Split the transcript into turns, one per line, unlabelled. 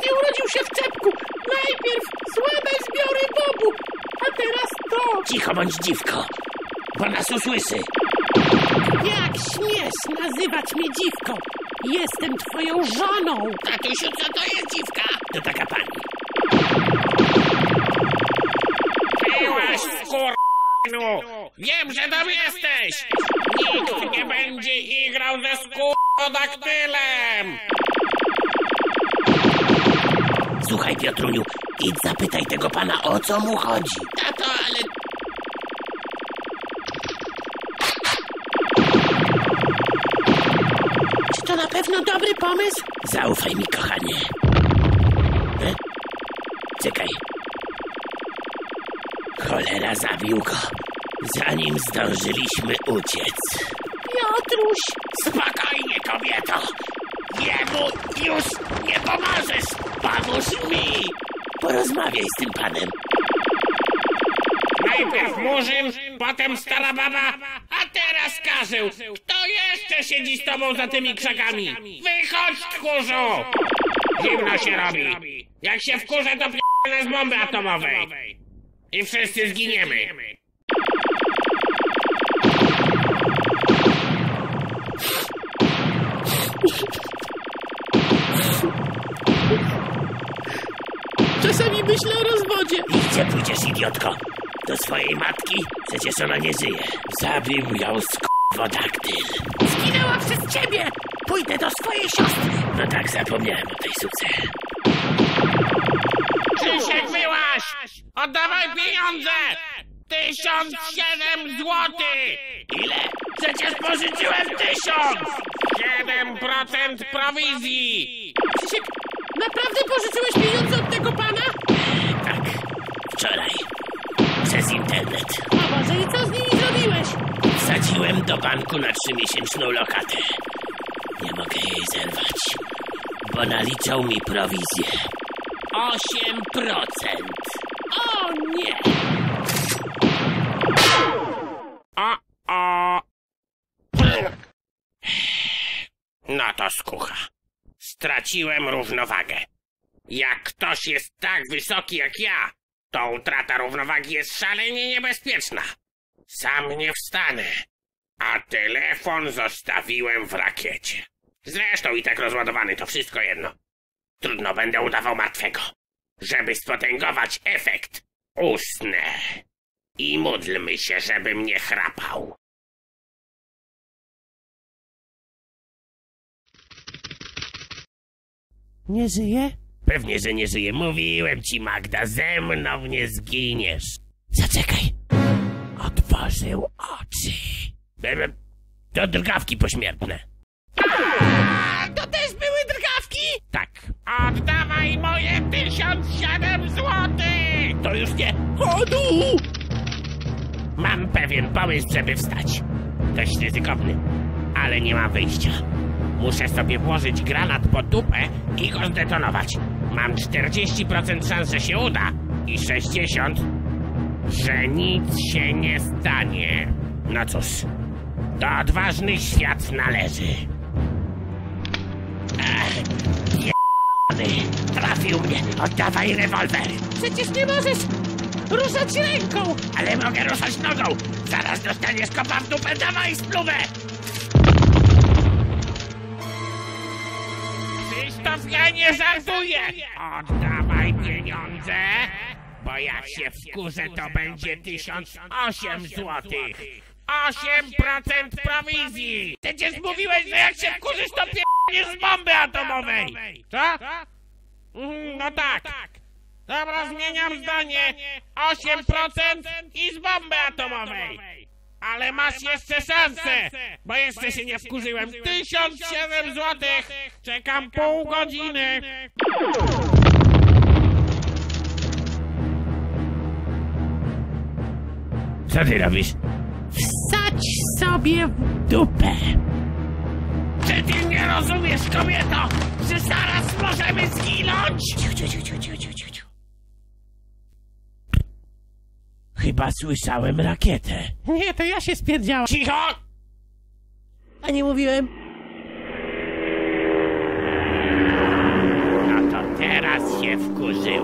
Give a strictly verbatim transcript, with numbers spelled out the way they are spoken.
nie urodził się w czepku. Najpierw słabe zbiory bobu, a teraz to.
Cicho bądź, dziwko, bo nas usłyszy.
Jak śmiesz nazywać mnie dziwką? Jestem twoją żoną.
Tatusiu, co to jest dziwka? To taka pani.
Byłaś, skurwysynu! Wiem, że tam jesteś! Nikt nie będzie igrał ze skurwodaktylem!
Słuchaj, Piotruniu, idź zapytaj tego pana, o co mu chodzi.
Tato, ale...
Czy to na pewno dobry pomysł?
Zaufaj mi, kochanie. E? Czekaj. Cholera, zabił go, zanim zdążyliśmy uciec.
Piotruś!
Spokojnie, kobieto! Jemu już nie pomożesz! Pomóż mi!
Porozmawiaj z tym panem.
Najpierw Murzyn, potem stara baba, a teraz Karzeł! Kto jeszcze siedzi z tobą za tymi krzakami? Wychodź, tchórzu! Zimno się robi. Jak się wkurzę, to p***nę z bomby atomowej. I wszyscy zginiemy.
Czasami myślę o rozwodzie.
I gdzie pójdziesz, idiotko? Do swojej matki? Przecież ona nie żyje. Zabił ją skurwodaktyl.
Zginęła przez ciebie! Pójdę do swojej siostry.
No tak, zapomniałem o tej suce.
Krzysiek, byłaś! Oddawaj pieniądze! Tysiąc siedem złotych!
Ile? Przecież pożyczyłem tysiąc!
Siedem procent prowizji!
Krzysiek, naprawdę pożyczyłeś pieniądze od tego pana?
Tak, wczoraj. Przez internet.
O Boże, i co z nimi zrobiłeś?
Wsadziłem do banku na trzymiesięczną lokatę. Nie mogę jej zerwać, bo naliczał mi prowizję. Osiem procent.
O nie!
O, o! No to skucha. Straciłem równowagę. Jak ktoś jest tak wysoki jak ja, to utrata równowagi jest szalenie niebezpieczna. Sam nie wstanę, a telefon zostawiłem w rakiecie. Zresztą i tak rozładowany, to wszystko jedno. Trudno będę udawał martwego. Żeby spotęgować efekt, usnę. I módlmy się, żebym nie chrapał.
Nie żyje?
Pewnie, że nie żyje. Mówiłem ci, Magda, ze mną nie zginiesz. Zaczekaj. Otworzył oczy. To drgawki pośmiertne.
A, to też były drgawki?
Tak.
Oddawaj moje tysiąc siedem złotych!
To już nie. Chodu! Mam pewien pomysł, żeby wstać. Dość ryzykowny, ale nie ma wyjścia. Muszę sobie włożyć granat pod dupę i go zdetonować. Mam czterdzieści procent szans, że się uda i sześćdziesiąt procent, że nic się nie stanie. No cóż, do odważnych świat należy. Ech, je***ny, trafił mnie. Oddawaj rewolwer.
Przecież nie możesz ruszać ręką!
Ale mogę ruszać nogą. Zaraz dostaniesz kopa w dupę, dawaj spluwę.
Krzysztof, ja nie żartuję! Oddawaj pieniądze, bo jak się wkurzę, to będzie tysiąc osiem złotych. osiem procent prowizji! Przecież mówiłeś, że jak się wkurzysz, to p***niesz z bomby atomowej! Co? Mhm, no tak. Dobra, zmieniam zdanie. osiem procent i z bomby atomowej. Ale masz jeszcze szansę, bo jeszcze się nie wkurzyłem. tysiąc siedem złotych. Czekam pół godziny.
Co ty robisz?
Wsadź sobie w
Dupę.
Czy ty nie rozumiesz, kobieto, że zaraz możemy zginąć?
Ciu, ciu, ciu, ciu, ciu, ciu, ciu, ciu. Chyba słyszałem rakietę.
Nie, to ja się spierdziałam.
Cicho!
A nie mówiłem?
No to teraz wkurzyłem.